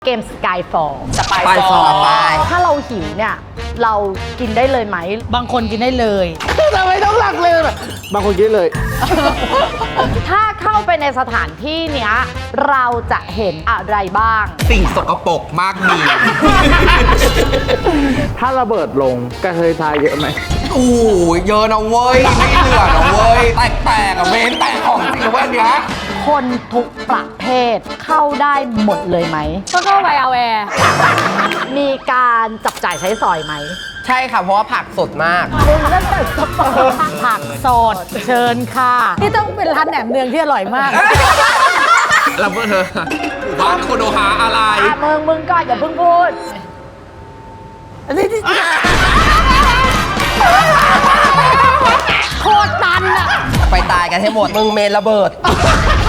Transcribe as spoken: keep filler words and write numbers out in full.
เกมสกายฟอลสปายฟอร์ถ้าเราหิวเนี่ยเรากินได้เลยไหมบางคนกินได้เลยทำไมต้องหลักเลยแบบบางคนคิดเลยถ้าเข้าไปในสถานที่เนี้ยเราจะเห็นอะไรบ้างสิ่งสกปรกมากมีถ้าระเบิดลงกระเทยทายเยอะไหมอู้เยอะนะเว้ย ไม่เหลือนะเว้ย แตกๆอะเมนแตกของจริงนะเว้ยเนี้ยคนทุกประเภทเข้าได้หมดเลยไหมก็เข้าไปเอาแอร์มีการจับจ่ายใช้สอยไหมใช่ค่ะ เพราะว่าผักสดมากมึงตั้งแต่สปอร์ตผักสดเชิญค่ะ นี่ต้องเป็นร้านแหนมเนืองที่อร่อยมากแล้วเพื่อนเธอหมู่บ้านโคโนฮาอะไรอ่ะมึงมึงก่อนอย่าเพิ่งพูดโคตรตันอะไปตายกันให้หมด มึงเมนระเบิด